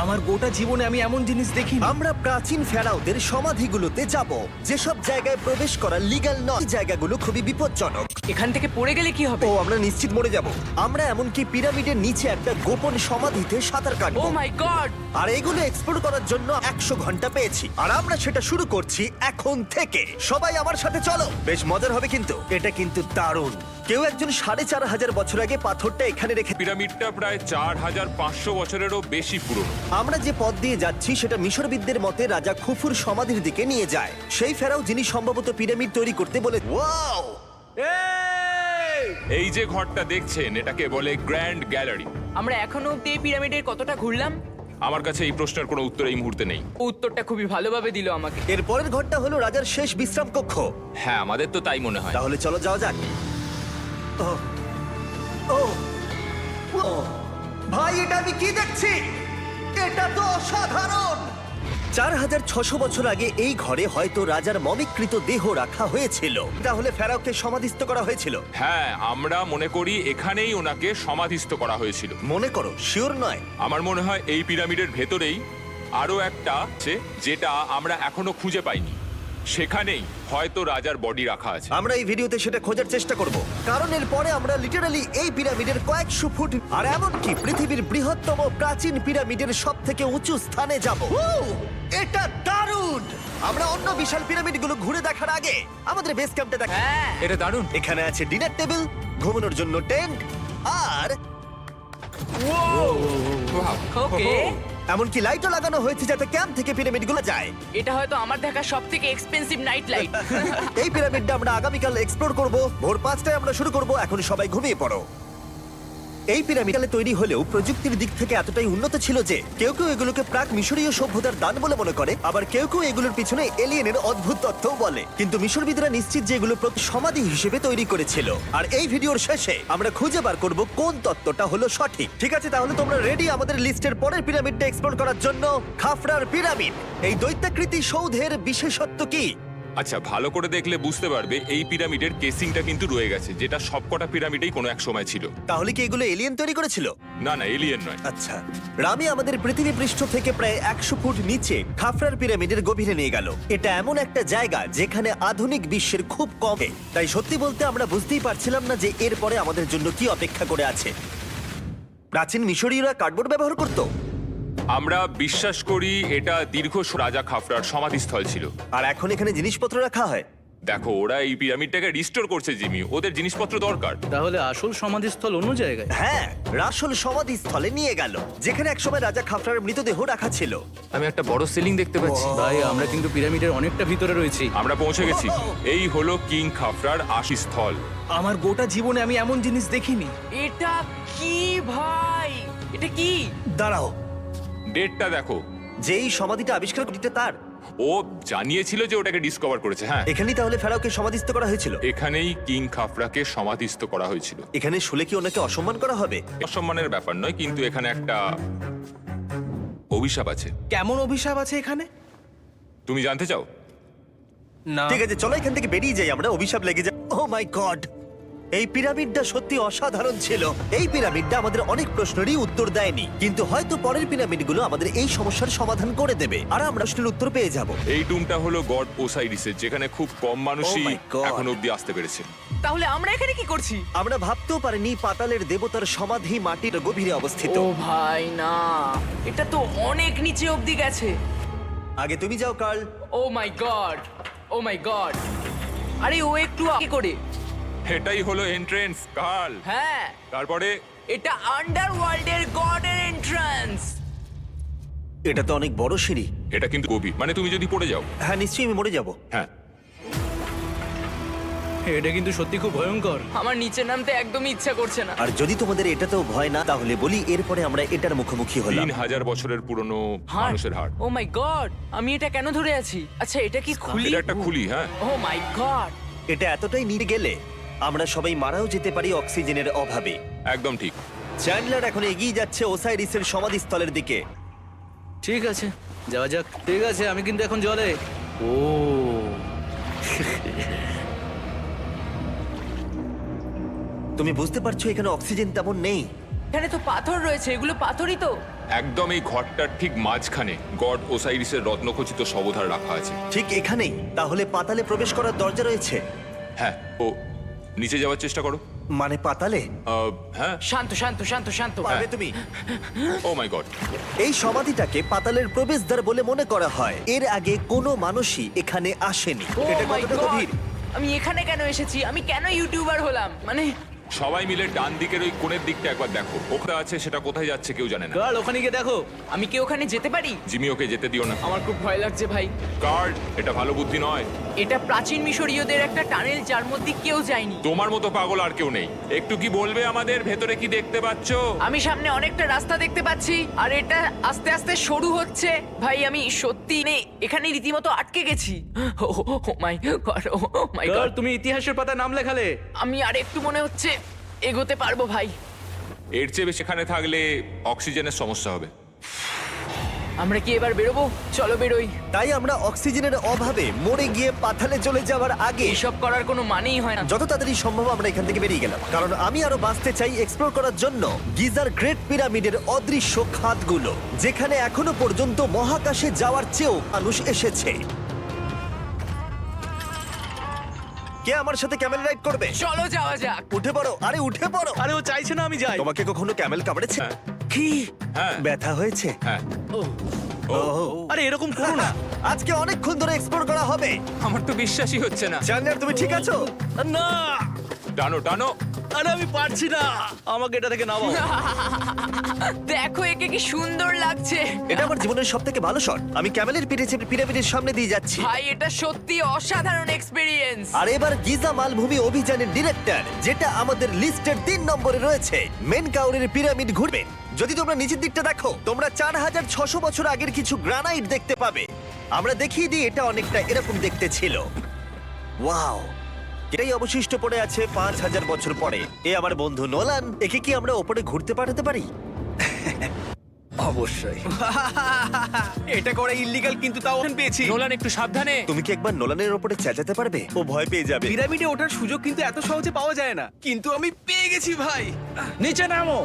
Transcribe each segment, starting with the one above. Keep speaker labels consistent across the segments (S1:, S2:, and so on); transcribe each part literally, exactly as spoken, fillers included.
S1: আমার গোটা জীবনে আমি এমন জিনিস দেখিনি।
S2: আমরা প্রাচীন ফেরাওদের সমাধিগুলোতে যাব, যেসব জায়গায় প্রবেশ করা লিগ্যাল নয়। এই জায়গাগুলো খুবই বিপজ্জনক।
S3: এখান থেকে পড়ে গেলে কি হবে?
S2: ও আমরা নিশ্চিত মরে যাব। আমরা এমনকি পিরামিডের নিচে একটা গোপন সমাধিতে সাঁতার
S3: ও
S2: কাটবো।
S3: মাই গড!
S2: আর এগুলো এক্সপ্লোর করার জন্য একশো ঘন্টা পেয়েছি, আর আমরা সেটা শুরু করছি এখন থেকে। সবাই আমার সাথে চলো, বেশ মজার হবে কিন্তু। এটা কিন্তু দারুণ। কেউ একজন সাড়ে চার হাজার বছর আগে পাথরটা এখানে রেখে।
S4: পিরামিডটা প্রায় চার হাজার পাঁচশো বছরেরও বেশি পুরনো।
S2: আমরা যে পথ দিয়ে যাচ্ছি সেটা মিশরবিদদের মতে রাজা খুফুর সমাধির দিকে নিয়ে যায়, সেই ফেরাও যিনি সম্ভবত পিরামিড তৈরি করতে বলে। ওয়াও!
S4: এই যে ঘরটা দেখছেন এটাকে বলে গ্র্যান্ড গ্যালারি।
S3: আমরা এখনো অব্দি এই পিরামিডের কতটা ঘুরলাম?
S4: আমার কাছে এই প্রশ্নের কোনো উত্তর এই মুহূর্তে নেই।
S3: উত্তরটা খুবই ভালোভাবে দিল আমাকে।
S2: এর পরের ঘরটা হলো রাজার শেষ বিশ্রাম কক্ষ।
S4: হ্যাঁ, আমাদের তো তাই মনে হয়।
S2: তাহলে চলো যাওয়া যাক। ও ও ও ভাই, এটা আমি কি দেখছি? এটা তো অসাধারণ। চার হাজার ছশো বছর আগে এই ঘরে হয়তো রাজার মমিকৃত দেহ রাখা হয়েছিল। তাহলে ফেরাওকে সমাধিস্থ করা হয়েছিল।
S4: হ্যাঁ, আমরা মনে করি এখানেই ওনাকে সমাধিস্থ করা হয়েছিল।
S2: মনে করো, শিওর নয়।
S4: আমার মনে হয় এই পিরামিডের ভেতরেই আরো একটা আছে যেটা আমরা এখনো খুঁজে পাইনি। সেখানেই হয়তো রাজার বডি রাখা আছে।
S2: আমরা এই ভিডিওতে সেটা খোঁজার চেষ্টা করব, কারণ এর পরে আমরা লিটারালি এই পিরামিডের কয়েকশো ফুট আর এমনকি পৃথিবীর বৃহত্তম প্রাচীন পিরামিডের সব থেকে উঁচু স্থানে যাব। এটা দারুণ! আমরা অন্য বিশাল পিরামিডগুলো ঘুরে দেখার আগে আমাদের বেস ক্যাম্পটা দেখা।
S3: হ্যাঁ,
S4: এটা দারুণ।
S2: এখানে আছে ডিনার টেবিল, ঘুমানোর জন্য টেন্ট, আর
S3: ওকে।
S2: এমনকি লাইটও লাগানো হয়েছে যাতে ক্যাম্প থেকে পিরামিডগুলো যায়।
S3: এটা হয়তো আমার দেখা সবথেকে এক্সপেন্সিভ নাইট লাইট।
S2: এই পিরামিডটা আমরা আগামীকাল এক্সপ্লোর করব। ভোর পাঁচটায় আমরা শুরু করব। এখন সবাই ঘুমিয়ে পড়ো। এই পিরামিডালে তৈরি হলেও প্রযুক্তির দিক থেকে এতটাই উন্নত ছিল যে কেউ কেউ এগুলোকে প্রাক মিশরীয় সভ্যতার দান বলে মনে করে, আবার কেউ কেউ এগুলোর পিছনে এলিয়েনের অদ্ভুত তথ্যও বলে। কিন্তু মিশরবিদরা নিশ্চিত যে এগুলো প্রতি সমাধি হিসেবে তৈরি করেছিল। আর এই ভিডিওর শেষে আমরা খুঁজে বার করব কোন তত্ত্বটা হলো সঠিক। ঠিক আছে, তাহলে তোমরা রেডি আমাদের লিস্টের পরের পিরামিডটা এক্সপ্লোর করার জন্য? খাফরার পিরামিড। এই দৈত্যাকৃতি সৌধের বিশেষত্ব কি?
S4: আচ্ছা, ভালো করে দেখলে বুঝতে পারবে এই পিরামিডের কেসিংটা কিন্তু রয়ে গেছে, যেটা সবকটা পিরামিডেই কোনো এক সময় ছিল।
S2: তাহলে কি এগুলো এলিয়েন তৈরি করেছিল?
S4: না না, এলিয়েন নয়।
S2: আচ্ছা, রামি আমাদের পৃথিবী পৃষ্ঠ থেকে প্রায় একশো ফুট নিচে খাফরার পিরামিডের গভীরে নিয়ে গেল। এটা এমন একটা জায়গা যেখানে আধুনিক বিশ্বের খুব কমে, তাই সত্যি বলতে আমরা বুঝতেই পারছিলাম না যে এরপরে আমাদের জন্য কি অপেক্ষা করে আছে। প্রাচীন মিশরীয়রা কার্ডবোর্ড ব্যবহার করত,
S4: আমরা বিশ্বাস করি এটা দীর্ঘ স- রাজা খাফরার সমাধিস্থল ছিল।
S2: আর এখন এখানে জিনিসপত্র রাখা হয়।
S4: দেখো, ওরা এই পিরামিডটাকে রিস্টোর করছে জিমি, ওদের জিনিসপত্র দরকার।
S1: তাহলে আসল সমাধিস্থল অন্য জায়গায়?
S2: হ্যাঁ, রাসল সমাধিস্থলে নিয়ে গেল, যেখানে একসময় রাজা খাফরার মৃতদেহ রাখা ছিল।
S5: আমি একটা বড় সিলিং দেখতে পাচ্ছি।
S1: ভাই, আমরা কিন্তু পিরামিডের অনেকটা ভিতরে রয়েছি।
S4: আমরা পৌঁছে গেছি। এই হলো কিং খাফরার আশিস্থল।
S1: আমার গোটা জীবনে আমি এমন জিনিস দেখিনি।
S3: এটা কি ভাই? এটা কি?
S2: দাঁড়াও,
S4: ডেটটা দেখো।
S2: যেই সমাধিটা আবিষ্কার করিতে তার
S4: ও জানিয়েছিল যে ওটাকে ডিসকভার করেছে। হ্যাঁ,
S2: এখানেই তাহলে ফেরাওকে সমাধিস্থ করা হয়েছিল।
S4: এখানেই কিং খাফরাকে সমাধিস্থ করা হয়েছিল।
S2: এখানে শুলে কি ওনাকে অসম্মান করা হবে?
S4: অসম্মানের ব্যাপার নয়, কিন্তু এখানে একটা অভিশাপ আছে।
S1: কেমন অভিশাপ আছে এখানে?
S4: তুমি জানতে চাও?
S1: না।
S2: ঠিক আছে, চলো এখান থেকে বেরিয়ে যাই, আমরা অভিশাপ লেগে যাই। ও মাই গড, এই পিরামিডটা সত্যি অসাধারণ ছিল। এই পিরামিডটা আমাদের অনেক প্রশ্নেরই উত্তর দেয়নি, কিন্তু হয়তো পরের পিরামিডগুলো আমাদের এই সমস্যার সমাধান করে দেবে, আর আমরা প্রশ্নের উত্তর পেয়ে যাব।
S4: এই টুমটা হলো গড ওসাইরিসের, যেখানে খুব কম মানুষই
S2: Oh my God!
S4: এখন অব্দি আসতে পেরেছে।
S3: তাহলে আমরা এখানে কি করছি?
S2: আমরা ভাবতেও পারিনি পাতালের দেবতার সমাধি মাটির গভীরে অবস্থিত।
S3: ও ভাই না, এটা তো অনেক নিচে অব্দি গেছে।
S2: আগে তুমি যাও Carl.
S3: Oh my god, oh my god. আরে ও একটু আগে করে।
S4: এটাই হলো এন্ট্রেন্স, কাল।
S3: হ্যাঁ,
S4: তারপরে
S3: এটা আন্ডারওয়ার্ল্ডের গডের এন্ট্রান্স।
S2: এটা তো অনেক বড় সিঁড়ি।
S4: এটা কিন্তু গভীর, মানে তুমি যদি পড়ে যাও।
S2: হ্যাঁ, নিশ্চয়ই আমি মরে যাব।
S4: হ্যাঁ,
S1: এটা কিন্তু সত্যি খুব ভয়ঙ্কর।
S3: আমার নিচে নামতে একদমই ইচ্ছা করছে না।
S2: আর যদি তোমাদের এটাতেও ভয় না, তাহলে বলি এরপরে আমরা এটার মুখোমুখি হলাম।
S4: তিন হাজার বছরের পুরনো
S3: হার্ট।
S4: মানুষের হাড়।
S3: ও মাই গড, আমি এটা কেন ধরে আছি? আচ্ছা, এটা কি খুলি?
S4: এটা একটা খুলি। হ্যাঁ,
S3: ও মাই গড।
S2: এটা এতটাই নিয়ে গেলে আমরা সবাই মারাও যেতে পারি অক্সিজেনের অভাবে।
S4: একদম ঠিক।
S2: চ্যান্ডলার এখন এগিয়ে যাচ্ছে ওসাইরিসের সমাধিস্থলের দিকে।
S1: ঠিক আছে, যাওয়া যাক। ঠিক আছে, আমি কিন্তু এখন জলে। ও
S2: তুমি বুঝতে পারছো এখানে অক্সিজেন তেমন নেই।
S3: এখানে তো পাথর রয়েছে, এগুলো পাথরই তো।
S4: একদম এই ঘরটার ঠিক মাঝখানে গড ওসাইরিসের রত্নখচিত শবধার রাখা আছে।
S2: ঠিক এখানেই তাহলে পাতালে প্রবেশ করার দরজা রয়েছে।
S4: হ্যাঁ, ও নিচে যাওয়ার চেষ্টা করো।
S2: মানে পাতালে
S4: আহ, হ্যাঁ,
S3: শান্ত শান্ত শান্ত শান্ত।
S2: পারবে তুমি?
S4: Oh my god.
S2: এই সমাধিটাকে পাতালের প্রবেশদ্বার বলে মনে করা হয়। এর আগে কোনো মানুষই এখানে আসেনি।
S3: Oh
S2: এটা
S3: my
S2: কতটা
S3: God!
S2: গভীর?
S3: আমি এখানে কেন এসেছি? আমি কেন ইউটিউবার হলাম? মানে
S4: সবাই মিলে ডান দিকের ওই কোণের দিকটা একবার দেখো, ওটা আছে, সেটা কোথায় যাচ্ছে কেউ জানে না।
S1: গার্ল ওখানে গিয়ে দেখো।
S3: আমি কি ওখানে যেতে পারি?
S4: জিমি ওকে যেতে দিও না।
S3: আমার খুব ভয় লাগছে ভাই।
S4: গার্ড, এটা ভালো বুদ্ধি নয়।
S3: এটা প্রাচীন মিশরীয়দের একটা টানেল যার মধ্যে কেউ যায়নি।
S4: তোমার মতো পাগল আর কেউ নেই। একটু কি বলবে আমাদের ভেতরে কি দেখতে পাচ্ছো?
S3: আমি সামনে অনেকটা রাস্তা দেখতে পাচ্ছি আর এটা আস্তে আস্তে সরু হচ্ছে। ভাই আমি সত্যি নেই এখানে রীতিমতো আটকে গেছি। Oh my god, oh my
S1: girl
S3: god.
S1: তুমি ইতিহাসের পাতায় নাম লেখালে।
S3: আমি আর একটু মনে হচ্ছে এগোতে পারবো ভাই।
S4: এর চেয়ে বেশি এখানে থাকলে অক্সিজেনের সমস্যা হবে।
S3: আমরা কি এবার বেরোবো? চলো বেরোই।
S2: তাই আমরা অক্সিজেনের অভাবে মরে গিয়ে পাতালে চলে যাওয়ার আগে
S3: এসব করার কোনো মানেই হয় না।
S2: যত তাড়াতাড়ি সম্ভব আমরা এখান থেকে বেরিয়ে গেলাম, কারণ আমি আরো বাঁচতে চাই এক্সপ্লোর করার জন্য গিজার গ্রেট পিরামিডের অদৃশ্য খাতগুলো, যেখানে এখনো পর্যন্ত মহাকাশে যাওয়ার চেয়েও মানুষ এসেছে। কে আমার সাথে ক্যামেল রাইড করবে?
S3: চলো যাওয়া যাক।
S2: উঠে পড়ো, আরে উঠে পড়ো।
S1: আরে ও চাইছে না আমি যাই।
S2: তোমাকে কখনো ক্যামেল কামড়েছে?
S4: হ্যাঁ।
S2: কি
S4: হ্যাঁ,
S2: ব্যথা হয়েছে?
S4: হ্যাঁ।
S2: ওহ,
S1: আরে এরকম করো না।
S2: আজকে অনেকক্ষণ ধরে এক্সপ্লোর করা হবে।
S5: আমার তো বিশ্বাসই হচ্ছে না।
S2: জানলার তুমি ঠিক আছো?
S1: না
S4: টানো টানো।
S1: আরে আমি পারছি না, আমাকে এটা থেকে নামাও।
S3: দেখো একে কি সুন্দর লাগছে।
S2: এটা আমার জীবনের সব থেকে ভালো শট। আমি ক্যামেলের পিঠে চেপে পিরামিডের সামনে দিয়ে যাচ্ছি।
S3: ভাই এটা সত্যি অসাধারণ এক্সপেরিয়েন্স।
S2: আর এবার গিজা মালভূমি অভিযানের ডিরেক্টর, যেটা আমাদের লিস্টের তিন নম্বরে রয়েছে, মেন কাউরের পিরামিড ঘুরবে। যদি তোমরা নিচের দিকটা দেখো, তোমরা চার হাজার ছশো বছর আগের কিছু গ্রানাইট দেখতে পাবে। আমরা দেখিয়ে দিই, এটা অনেকটা এরকম দেখতে ছিল। ওয়াও, এটাই অবশিষ্ট পড়ে আছে পাঁচ হাজার বছর পরে। এ আমার বন্ধু নোলান, একে কি আমরা ওপরে ঘুরতে পাঠাতে পারি?
S6: অবশ্যই। এটা করা ইল্লিগাল, কিন্তু তাও আমি পেয়েছি।
S5: নোলান একটু সাবধানে।
S2: তুমি কি একবার নোলানের ওপরে চেঁচাতে পারবে? ও ভয় পেয়ে যাবে।
S6: পিরামিডে ওঠার সুযোগ কিন্তু এত সহজে পাওয়া যায় না, কিন্তু আমি পেয়ে গেছি ভাই।
S7: নিচে নামো,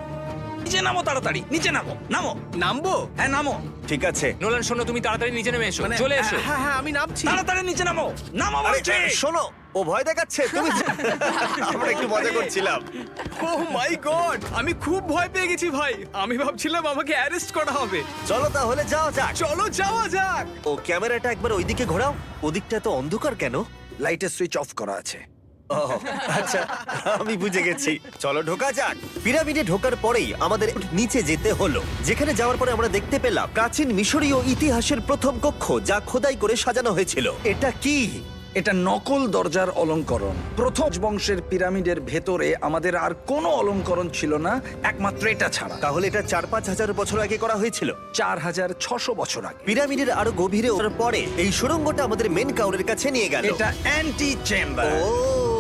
S7: নিচে নামো, তাড়াতাড়ি নিচে নামো, নামো,
S6: নামবো?
S7: হ্যাঁ নামো,
S2: ঠিক আছে।
S5: নোলান শোনো, তুমি তাড়াতাড়ি নিচে নেমে এসো,
S6: মানে
S5: চলে এসো।
S6: হ্যাঁ হ্যাঁ আমি নামছি।
S7: তাড়াতাড়ি নিচে নামো, নামো
S2: আরে
S7: বলছি।
S2: শোনো, ও ভয় দেখাচ্ছে। তুমি আমরা একটু মজা করছিলাম।
S6: ও মাই গড, আমি খুব ভয় পেয়ে গেছি ভাই। আমি ভাবছিলাম আমাকে অ্যারেস্ট করা হবে।
S2: চলো তাহলে যাওয়া যাক।
S6: চলো যাওয়া যাক।
S2: ও ক্যামেরাটা একবার ওইদিকে ঘোরাও। ওদিকটা তো অন্ধকার কেন?
S7: লাইটের সুইচ অফ করা আছে।
S2: ও, আচ্ছা, আমি বুঝে গেছি। চলো ঢোকা যাক। পিরামিডে ঢোকার পরেই আমাদের নিচে যেতে হলো, যেখানে যাওয়ার পরে আমরা দেখতে পেলাম প্রাচীন মিশরীয় ইতিহাসের প্রথম কক্ষ, যা খোদাই করে সাজানো হয়েছিল। এটা কি?
S7: এটা নকল দরজার অলংকরণ। প্রথম বংশের পিরামিডের ভেতরে আমাদের আর কোনো অলংকরণ ছিল না, একমাত্র এটা ছাড়া।
S2: তাহলে এটা চার পাঁচ হাজার বছর আগে করা হয়েছিল।
S7: চার হাজার ছশো বছর আগে।
S2: পিরামিডের আরো গভীরে ওঠার পরে এই সুড়ঙ্গটা আমাদের মেন কাউরের কাছে নিয়ে গেল।
S7: এটা অ্যান্টি চেম্বার।
S2: ও,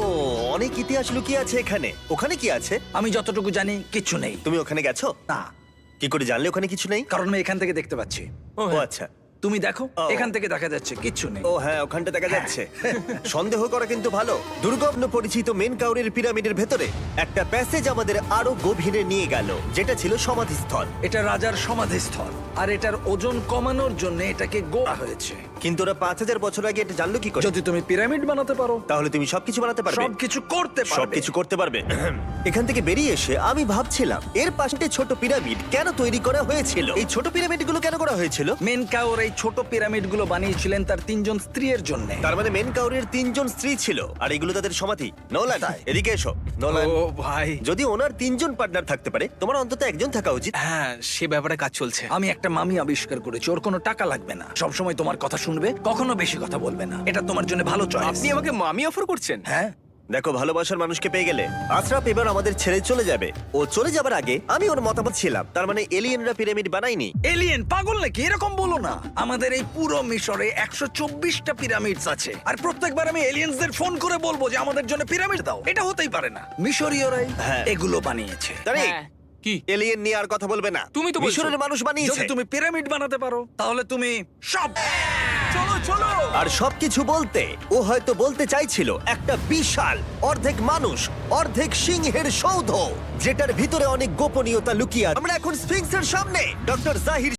S2: অনেক ইতিহাস লুকিয়ে আছে এখানে। ওখানে কি আছে?
S7: আমি যতটুকু জানি কিছু নেই।
S2: তুমি ওখানে গেছো?
S7: না,
S2: কি করে জানলে ওখানে কিছু নেই?
S7: কারণ আমি এখান থেকে দেখতে পাচ্ছি।
S2: ও আচ্ছা।
S7: তুমি দেখো,
S2: ও।
S7: এখান থেকে দেখা যাচ্ছে কিচ্ছু নেই।
S2: ও হ্যাঁ, ওখানটা দেখা যাচ্ছে। সন্দেহ করা কিন্তু ভালো। দুর্গম পরিচিত মেন কাউরের পিরামিডের ভেতরে একটা প্যাসেজ আমাদের আরো গভীরে নিয়ে গেল, যেটা ছিল সমাধিস্থল।
S7: এটা রাজার সমাধিস্থল, আর এটার ওজন কমানোর জন্য এটাকে গোড়া হয়েছে।
S2: কিন্তু ওরা পাঁচ হাজার বছর আগে এটা জানলো কি করে?
S7: যদি তুমি পিরামিড বানাতে পারো,
S2: তাহলে তুমি সবকিছু বানাতে পারবে।
S7: সবকিছু করতে পারবে।
S2: সবকিছু করতে পারবে। এখান থেকে বেরিয়ে এসে আমি ভাবছিলাম, এর পাশে ছোট পিরামিড কেন তৈরি করা হয়েছিল? এই ছোট পিরামিডগুলো কেন করা হয়েছিল?
S7: মেনকাওর এই ছোট পিরামিডগুলো বানিয়েছিলেন তার তিনজন স্ত্রীর জন্য।
S2: তার মানে মেন কাউরের তিনজন স্ত্রী ছিল, আর এগুলো তাদের সমাধি। নোলান, এদিকে এসো। নোলান,
S6: ও ভাই,
S2: যদি ওনার তিনজন পার্টনার থাকতে পারে, তোমার অন্তত একজন থাকা উচিত।
S6: হ্যাঁ সে ব্যাপারে কাজ চলছে।
S7: আমি একটা মামি আবিষ্কার করেছি, ওর কোনো টাকা লাগবে না, সব সময় তোমার কথা শুনবে, কখনো বেশি কথা বলবে না। এটা তোমার জন্য ভালো চয়েস।
S6: আপনি আমাকে মামি অফার করছেন?
S7: হ্যাঁ,
S2: দেখো, ভালোবাসার মানুষকে পেয়ে গেলে আশরাফ এবার আমাদের ছেড়ে চলে যাবে। ও চলে যাবার আগে আমি ওর মতামত ছিলাম, তার মানে এলিয়েনরা পিরামিড বানায়নি।
S7: এলিয়েন পাগল নাকি? এরকম বলো না। আমাদের এই পুরো মিশরে একশো চব্বিশটা পিরামিডস আছে, আর প্রত্যেকবার আমি এলিয়েন্সদের ফোন করে বলবো যে আমাদের জন্য পিরামিড দাও। এটা হতেই পারে না, মিশরীয়রাই
S2: হ্যাঁ।
S7: এগুলো বানিয়েছে।
S2: তারে
S3: হ্যাঁ।
S5: কি?
S2: এলিয়েন নিয়ে আর কথা বলবে না।
S5: তুমি তো বলছো।
S2: মিশরের মানুষ
S7: যদি
S2: বানিয়েছে।
S7: তুমি পিরামিড বানাতে পারো, তাহলে তুমি সব
S6: চলো
S7: চলো
S2: আর সবকিছু বলতে ও হয়তো বলতে চাইছিল একটা বিশাল অর্ধেক মানুষ অর্ধেক সিংহের সৌধ যেটার ভিতরে অনেক গোপনীয়তা লুকিয়ে আছে। আমরা এখন স্ফিংসের সামনে ডক্টর জাহির